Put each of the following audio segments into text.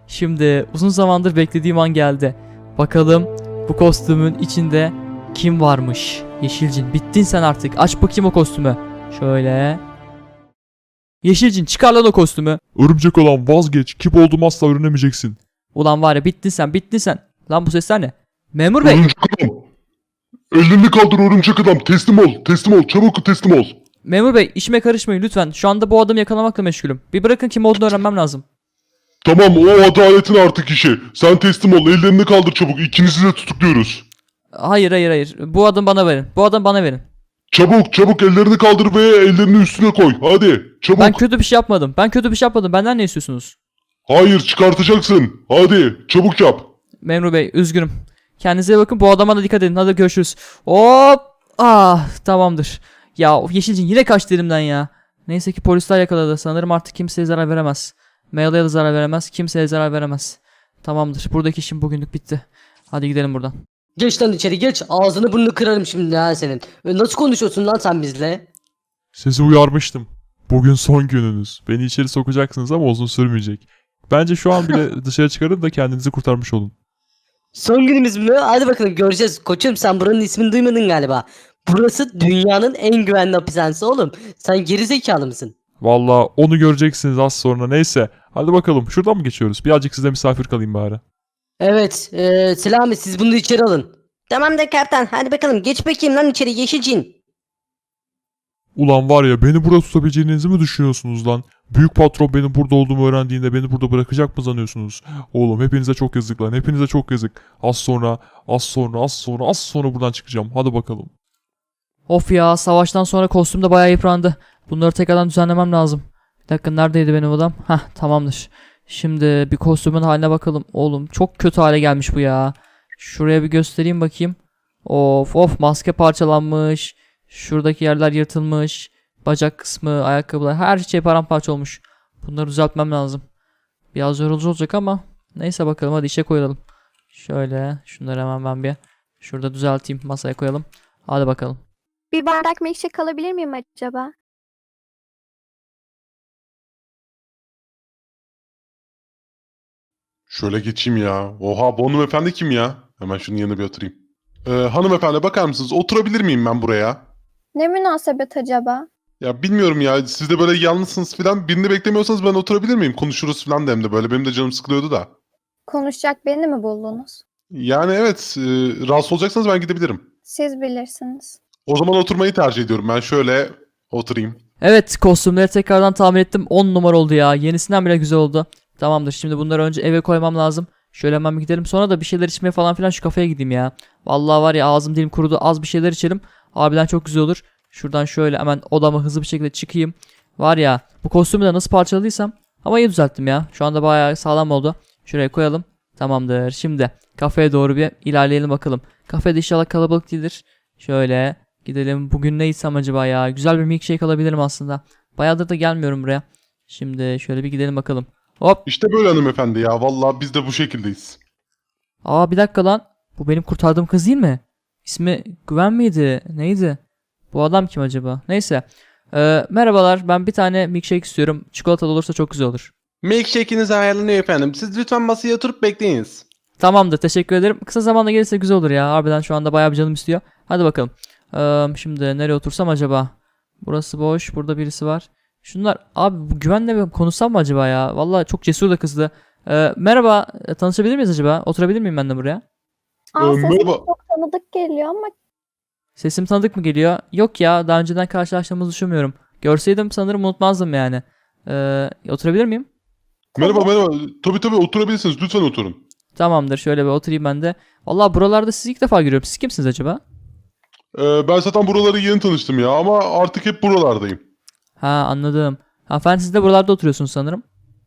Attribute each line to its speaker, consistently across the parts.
Speaker 1: Şimdi uzun zamandır beklediğim an geldi. Bakalım bu kostümün içinde kim varmış? Yeşilcin, bittin sen artık. Aç bakayım o kostümü. Şöyle. Yeşilcin, çıkar lan o kostümü.
Speaker 2: Örümcek olan vazgeç. Kim olduğumu asla öğrenemeyeceksin.
Speaker 1: Ulan var ya, bittin sen, bittin sen. Lan bu sesler ne? Memur bey.
Speaker 3: Örümcek adam. Ellerini kaldır örümcek adam. Teslim ol. Teslim ol. Çabuk teslim ol.
Speaker 1: Memur bey, işime karışmayın lütfen. Şu anda bu adamı yakalamakla meşgulüm. Bir bırakın, kim olduğunu öğrenmem lazım.
Speaker 3: Tamam, o adaletin artık işi. Sen teslim ol. Ellerini kaldır çabuk. İkinizi de tutukluyoruz.
Speaker 1: Hayır. Bu adamı bana verin. Bu adamı bana verin.
Speaker 3: Çabuk ellerini kaldır ve ellerini üstüne koy. Hadi çabuk.
Speaker 1: Ben kötü bir şey yapmadım. Benden ne istiyorsunuz?
Speaker 3: Hayır, çıkartacaksın. Hadi çabuk yap.
Speaker 1: Memur bey, üzgünüm. Kendinize iyi bakın. Bu adama da dikkat edin. Hadi görüşürüz. Hop. Ah, tamamdır. Ya Yeşilcin yine kaçtı elimden ya. Neyse ki polisler yakaladı. Sanırım artık kimseye zarar veremez. Maila'ya da zarar veremez. Kimseye zarar veremez. Tamamdır. Buradaki işim bugünlük bitti. Hadi gidelim buradan.
Speaker 4: Geç lan içeri geç. Ağzını burnunu kırarım şimdi ha senin. Nasıl konuşuyorsun lan sen bizle?
Speaker 2: Sizi uyarmıştım. Bugün son gününüz. Beni içeri sokacaksınız ama uzun sürmeyecek. Bence şu an bile dışarı çıkarın da kendinizi kurtarmış olun.
Speaker 4: Son günümüz mü? Hadi bakalım göreceğiz. Koçum sen buranın ismini duymadın galiba. Burası dünyanın en güvenli hapishanesi oğlum. Sen gerizekalı mısın?
Speaker 2: Valla onu göreceksiniz az sonra. Neyse. Hadi bakalım. Şuradan mı geçiyoruz? Birazcık size misafir kalayım bari.
Speaker 4: Evet. Selami siz bunu içeri alın. Tamam da kaptan. Hadi bakalım geç bakayım lan içeri Yeşilcin.
Speaker 2: Ulan var ya, beni burada tutabileceğinizi mi düşünüyorsunuz lan? Büyük patron benim burada olduğumu öğrendiğinde beni burada bırakacak mı sanıyorsunuz? Oğlum hepinize çok yazık lan. Hepinize çok yazık. Az sonra buradan çıkacağım. Hadi bakalım.
Speaker 1: Of ya, savaştan sonra kostüm de bayağı yıprandı. Bunları tekrardan düzenlemem lazım. Bir dakika, neredeydi benim adam? Hah, tamamdır. Şimdi bir kostümün haline bakalım. Oğlum çok kötü hale gelmiş bu ya. Şuraya bir göstereyim bakayım. Of, maske parçalanmış. Şuradaki yerler yırtılmış. Bacak kısmı, ayakkabılar, her şey paramparça olmuş. Bunları düzeltmem lazım. Biraz yorucu olacak ama neyse, bakalım, hadi işe koyalım. Şöyle şunları hemen ben bir şurada düzelteyim, masaya koyalım. Hadi bakalım.
Speaker 5: Bir bardak milkshake alabilir miyim acaba?
Speaker 3: Şöyle geçeyim ya. Oha, bu hanımefendi kim ya? Hemen şunun yanına bir oturayım. Hanımefendi bakar mısınız? Oturabilir miyim ben buraya?
Speaker 5: Ne münasebet acaba?
Speaker 3: Ya bilmiyorum ya. Siz de böyle yalnızsınız falan. Birini beklemiyorsanız ben oturabilir miyim? Konuşuruz falan da hem de böyle. Benim de canım sıkılıyordu da.
Speaker 5: Konuşacak birini mi buldunuz?
Speaker 3: Yani evet. Rahatsız olacaksanız ben gidebilirim.
Speaker 5: Siz bilirsiniz.
Speaker 3: O zaman oturmayı tercih ediyorum. Ben şöyle oturayım.
Speaker 1: Evet, kostümleri tekrardan tamir ettim. 10 numara oldu ya. Yenisinden bile güzel oldu. Tamamdır, şimdi bunları önce eve koymam lazım. Şöyle hemen bir gidelim. Sonra da bir şeyler içmeye falan filan şu kafeye gideyim ya. Vallahi var ya, ağzım dilim kurudu. Az bir şeyler içelim. Harbiden çok güzel olur. Şuradan şöyle hemen odama hızlı bir şekilde çıkayım. Var ya, bu kostümü de nasıl parçaladıysam. Ama iyi düzelttim ya. Şu anda bayağı sağlam oldu. Şuraya koyalım. Tamamdır. Şimdi kafeye doğru bir ilerleyelim bakalım. Kafede inşallah kalabalık değildir. Şöyle gidelim. Bugün ne içsem acaba ya? Güzel bir milkshake alabilirim aslında. Bayağıdır da gelmiyorum buraya. Şimdi şöyle bir gidelim bakalım. Hop.
Speaker 3: İşte böyle hanımefendi ya. Vallahi biz de bu şekildeyiz.
Speaker 1: Aa, bir dakika lan. Bu benim kurtardığım kız değil mi? İsmi Güven miydi? Neydi? Bu adam kim acaba? Neyse. Merhabalar. Ben bir tane milkshake istiyorum. Çikolatalı olursa çok güzel olur.
Speaker 6: Milkshake'iniz ayarlanıyor efendim. Siz lütfen masaya oturup bekleyiniz.
Speaker 1: Tamamdır. Teşekkür ederim. Kısa zamanda gelirse güzel olur ya. Harbiden şu anda bayağı bir canım istiyor. Hadi bakalım. Şimdi nereye otursam acaba? Burası boş. Burada birisi var. Şunlar. Abi bu Güven'le bir konuşsam mı acaba ya? Vallahi çok cesur da kızdı. Merhaba. Tanışabilir miyiz acaba? Oturabilir miyim ben de buraya?
Speaker 5: Sesim
Speaker 3: merhaba.
Speaker 5: çok tanıdık geliyor ama
Speaker 1: Sesim tanıdık mı geliyor? Yok ya. Daha önceden karşılaştığımızı düşünmüyorum. Görseydim sanırım unutmazdım yani. Oturabilir miyim?
Speaker 3: Merhaba. Tabii oturabilirsiniz. Lütfen oturun.
Speaker 1: Tamamdır. Şöyle bir oturayım ben de. Vallahi buralarda sizi ilk defa görüyorum. Siz kimsiniz acaba?
Speaker 3: Ben zaten buraları yeni tanıştım ya. Ama artık hep buralardayım.
Speaker 1: Ha, anladım. Hanımefendi, siz de buralarda oturuyorsunuz sanırım.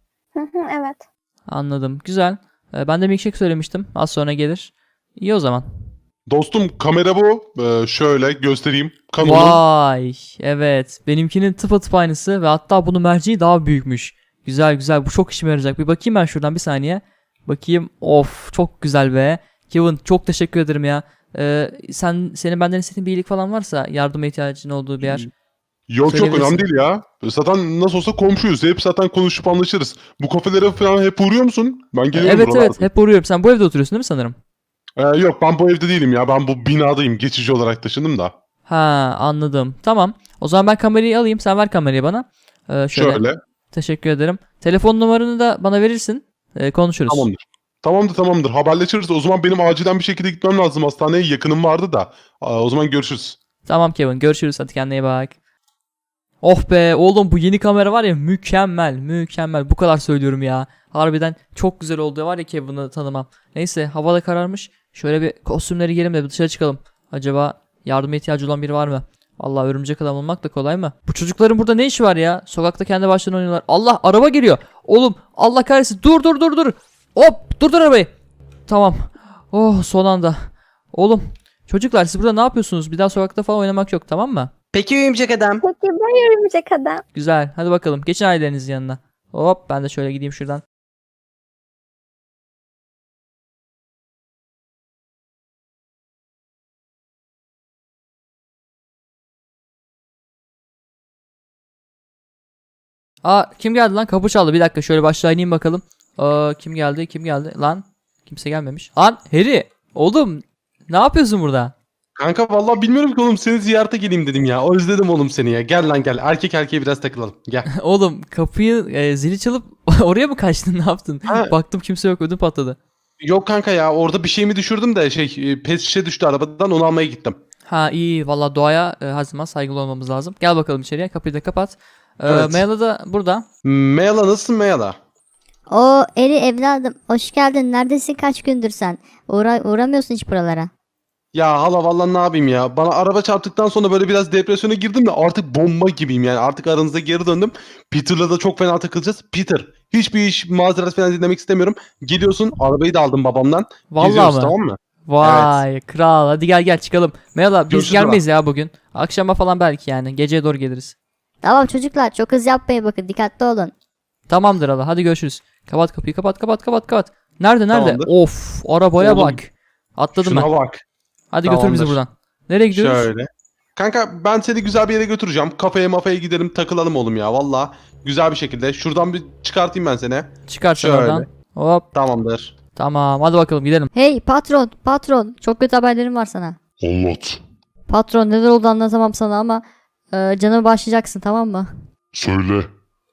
Speaker 5: evet.
Speaker 1: Anladım. Güzel. Ben de milkshake söylemiştim. Az sonra gelir. İyi o zaman.
Speaker 3: Dostum, kamera bu. Şöyle göstereyim. Canon'un.
Speaker 1: Vay. Evet. Benimkinin tıpatıp aynısı ve hatta bunun merceği daha büyükmüş. Güzel. Bu çok işime yarayacak. Bir bakayım ben şuradan bir saniye. Bakayım. Of, çok güzel be. Kevin, çok teşekkür ederim ya. Senin benden istediğin bir iyilik falan varsa, yardıma ihtiyacın olduğu bir yer.
Speaker 3: Yok çok
Speaker 1: Söyleyebilirsin.
Speaker 3: önemli değil ya. Zaten nasıl olsa komşuyuz. Hep zaten konuşup anlaşırız. Bu kafelere falan hep uğruyor musun? Ben geliyorum
Speaker 1: Evet
Speaker 3: buralarda.
Speaker 1: evet hep uğruyorum. Sen bu evde oturuyorsun değil mi sanırım?
Speaker 3: Yok ben bu evde değilim ya. Ben bu binadayım. Geçici olarak taşındım da.
Speaker 1: Ha anladım. Tamam. O zaman ben kamerayı alayım. Sen ver kamerayı bana. Şöyle.
Speaker 3: Şöyle.
Speaker 1: Teşekkür ederim. Telefon numaranı da bana verirsin. Konuşuruz.
Speaker 3: Tamamdır. Tamamdır. Haberleşiriz. O zaman benim acilen bir şekilde gitmem lazım. Hastaneye yakınım vardı da. O zaman görüşürüz.
Speaker 1: Tamam Kevin. Görüşürüz. Hadi kendine iyi bak. Oh be oğlum bu yeni kamera var ya mükemmel mükemmel. Bu kadar söylüyorum ya. Harbiden çok güzel oldu var ya Kevin'ı tanımam. Neyse hava da kararmış. Şöyle bir kostümleri giyelim de bir dışarı çıkalım. Acaba yardıma ihtiyacı olan biri var mı? Vallahi örümcek adam olmak da kolay mı? Bu çocukların burada ne işi var ya? Sokakta kendi başlarına oynuyorlar. Allah araba geliyor. Oğlum Allah kahretsin. Dur. Hop durdur arabayı. Tamam. Oh son anda. Oğlum çocuklar siz burada ne yapıyorsunuz? Bir daha sokakta falan oynamak yok tamam mı?
Speaker 6: Peki örümcek adam.
Speaker 5: Peki ben örümcek adam.
Speaker 1: Güzel. Hadi bakalım. Geçin ailelerinizin yanına. Hop ben de şöyle gideyim şuradan. Aa kim geldi lan? Kapı çaldı. Bir dakika şöyle başlığa ineyim bakalım. Kim geldi? Lan kimse gelmemiş. Lan Harry. Oğlum ne yapıyorsun burada?
Speaker 6: Kanka vallahi bilmiyorum ki oğlum seni ziyarete geleyim dedim ya. Özledim oğlum seni ya. Gel lan gel. Erkek erkeğe biraz takılalım. Gel.
Speaker 1: Oğlum kapıyı zili çalıp oraya mı kaçtın? Ne yaptın?
Speaker 6: Ha.
Speaker 1: Baktım kimse yok. Ödüm patladı.
Speaker 6: Yok kanka ya orada bir şey mi düşürdüm de pet şişe düştü arabadan onu almaya gittim.
Speaker 1: Ha iyi valla doğaya her zaman saygılı olmamız lazım. Gel bakalım içeriye kapıyı da kapat.
Speaker 6: Evet.
Speaker 1: Meyla da burada.
Speaker 6: Meyla nasılsın Meyla?
Speaker 7: O Eri evladım hoş geldin. Neredesin kaç gündür sen? Uğramıyorsun hiç buralara.
Speaker 6: Ya hala vallahi ne yapayım ya. Bana araba çarptıktan sonra böyle biraz depresyona girdim de artık bomba gibiyim yani. Artık aranızda geri döndüm. Peter'la da çok fena takılacağız. Peter hiçbir iş mazeret falan dinlemek istemiyorum. Geliyorsun arabayı da aldım babamdan.
Speaker 1: Vallahi
Speaker 6: Geziyoruz,
Speaker 1: mı?
Speaker 6: tamam mı?
Speaker 1: Vay kral hadi gel çıkalım. Meyla biz
Speaker 6: Görüşürüz
Speaker 1: gelmeyiz ya bugün. Akşama falan belki yani. Geceye doğru geliriz.
Speaker 7: Tamam çocuklar çok hız yapmayın bakın dikkatli olun.
Speaker 1: Tamamdır hala hadi görüşürüz. Kapat kapıyı kapat. Nerede?
Speaker 6: Tamamdır.
Speaker 1: Of arabaya
Speaker 6: Oğlum,
Speaker 1: bak. Atladım ben.
Speaker 6: Şuna bak.
Speaker 1: Hadi götür bizi
Speaker 6: Tamamdır.
Speaker 1: buradan. Nereye gidiyoruz?
Speaker 6: Şöyle. Kanka ben seni güzel bir yere götüreceğim. Kafeye gidelim takılalım oğlum ya. Valla güzel bir şekilde. Şuradan bir çıkartayım ben seni.
Speaker 1: Çıkar sen
Speaker 6: Şöyle.
Speaker 1: oradan. Hop
Speaker 6: Tamamdır.
Speaker 1: tamam hadi bakalım gidelim.
Speaker 7: Hey patron çok kötü haberlerim var sana.
Speaker 2: Anlat.
Speaker 7: Patron neler oldu anlatamam sana ama canımı başlayacaksın tamam mı?
Speaker 2: Söyle.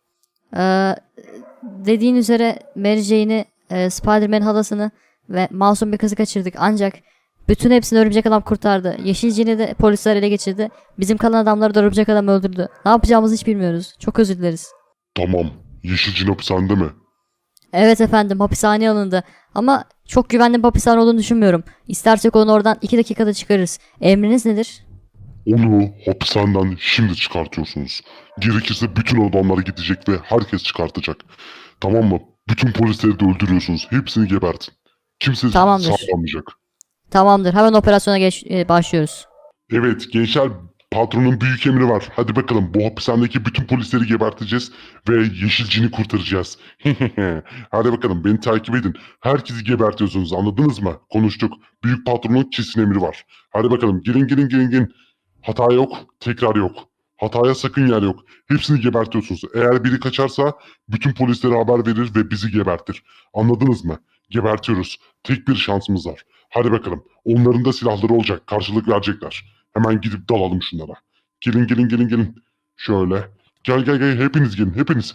Speaker 7: Dediğin üzere Mary Jane'i, Spider-Man halasını ve masum bir kızı kaçırdık ancak bütün hepsini örümcek adam kurtardı. Yeşil Jean'i de polisler ele geçirdi. Bizim kalan adamları da örümcek adam öldürdü. Ne yapacağımızı hiç bilmiyoruz. Çok özür dileriz.
Speaker 2: Tamam. Yeşilcin hapishanede mi?
Speaker 7: Evet efendim hapishaneye alındı. Ama çok güvenli bir hapishane olduğunu düşünmüyorum. İstersek onu oradan 2 dakikada çıkarırız. Emriniz nedir?
Speaker 2: Onu hapishaneden şimdi çıkartıyorsunuz. Gerekirse bütün adamlar gidecek ve herkes çıkartacak. Tamam mı? Bütün polisleri de öldürüyorsunuz. Hepsini gebertin. Kimse
Speaker 7: Tamamdır.
Speaker 2: sağlamayacak.
Speaker 7: Tamamdır hemen operasyona başlıyoruz.
Speaker 2: Evet gençler, patronun büyük emri var. Hadi bakalım, bu hapishanedeki bütün polisleri geberteceğiz ve Yeşilcin'i kurtaracağız. Hadi bakalım, beni takip edin. Herkesi gebertiyorsunuz, anladınız mı? Konuştuk. Büyük patronun kesin emri var. Hadi bakalım, gelin. Hata yok, tekrar yok. Hataya sakın yer yok. Hepsini gebertiyorsunuz. Eğer biri kaçarsa bütün polislere haber verir ve bizi gebertir. Anladınız mı? Gebertiyoruz. Tek bir şansımız var. Hadi bakalım. Onların da silahları olacak. Karşılık verecekler. Hemen gidip dalalım şunlara. Gelin. Şöyle. Gel. Hepiniz gelin. Hepiniz.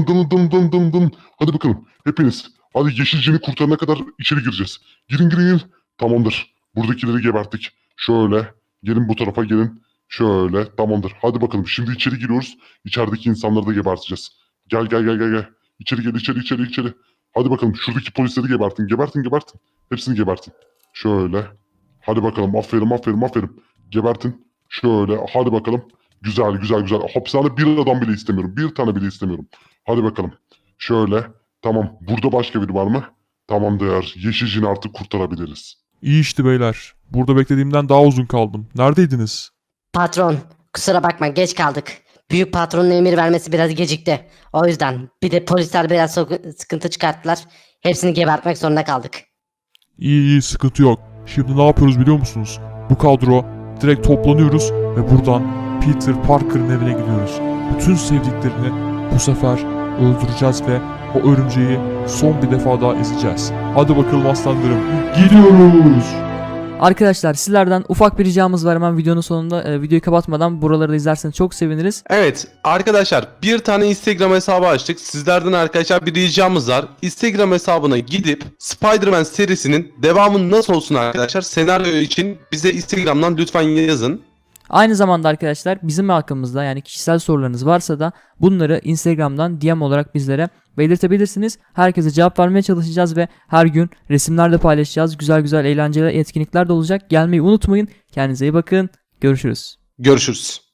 Speaker 2: Dalın. Hadi bakalım. Hepiniz. Hadi Yeşilcin'i kurtarana kadar içeri gireceğiz. Girin. Tamamdır. Buradakileri geberttik. Şöyle. Gelin bu tarafa gelin. Şöyle. Tamamdır. Hadi bakalım. Şimdi içeri giriyoruz. İçerideki insanları da geberteceğiz. Gel. İçeri gel. İçeri. Hadi bakalım. Şuradaki polisleri gebertin. Gebertin. Hepsini gebertin. Şöyle. Hadi bakalım. Aferin. Gebertin. Şöyle. Hadi bakalım. Güzel. Hapishane bir adam bile istemiyorum. Bir tane bile istemiyorum. Hadi bakalım. Şöyle. Tamam. Burada başka biri var mı? Tamamdır. Yeşilcini artık kurtarabiliriz.
Speaker 8: İyi işte beyler. Burada beklediğimden daha uzun kaldım. Neredeydiniz?
Speaker 4: Patron, kusura bakma geç kaldık. Büyük patronun emir vermesi biraz gecikti. O yüzden bir de polisler biraz sıkıntı çıkarttılar. Hepsini gebertmek zorunda kaldık.
Speaker 8: İyi sıkıntı yok. Şimdi ne yapıyoruz biliyor musunuz? Bu kadro direkt toplanıyoruz ve buradan Peter Parker'ın evine gidiyoruz. Bütün sevdiklerini bu sefer öldüreceğiz ve o örümceği son bir defa daha ezeceğiz. Hadi bakalım aslanlarım. Gidiyoruz.
Speaker 1: Arkadaşlar sizlerden ufak bir ricamız var, hemen videonun sonunda videoyu kapatmadan buraları da izlerseniz çok seviniriz.
Speaker 6: Evet arkadaşlar, bir tane Instagram hesabı açtık. Sizlerden arkadaşlar bir ricamız var. Instagram hesabına gidip Spider-Man serisinin devamı nasıl olsun arkadaşlar, senaryo için bize Instagram'dan lütfen yazın.
Speaker 1: Aynı zamanda arkadaşlar bizim hakkımızda yani kişisel sorularınız varsa da bunları Instagram'dan DM olarak bizlere belirtebilirsiniz. Herkese cevap vermeye çalışacağız ve her gün resimler de paylaşacağız. Güzel güzel eğlenceli etkinlikler de olacak. Gelmeyi unutmayın. Kendinize iyi bakın. Görüşürüz.
Speaker 6: Görüşürüz.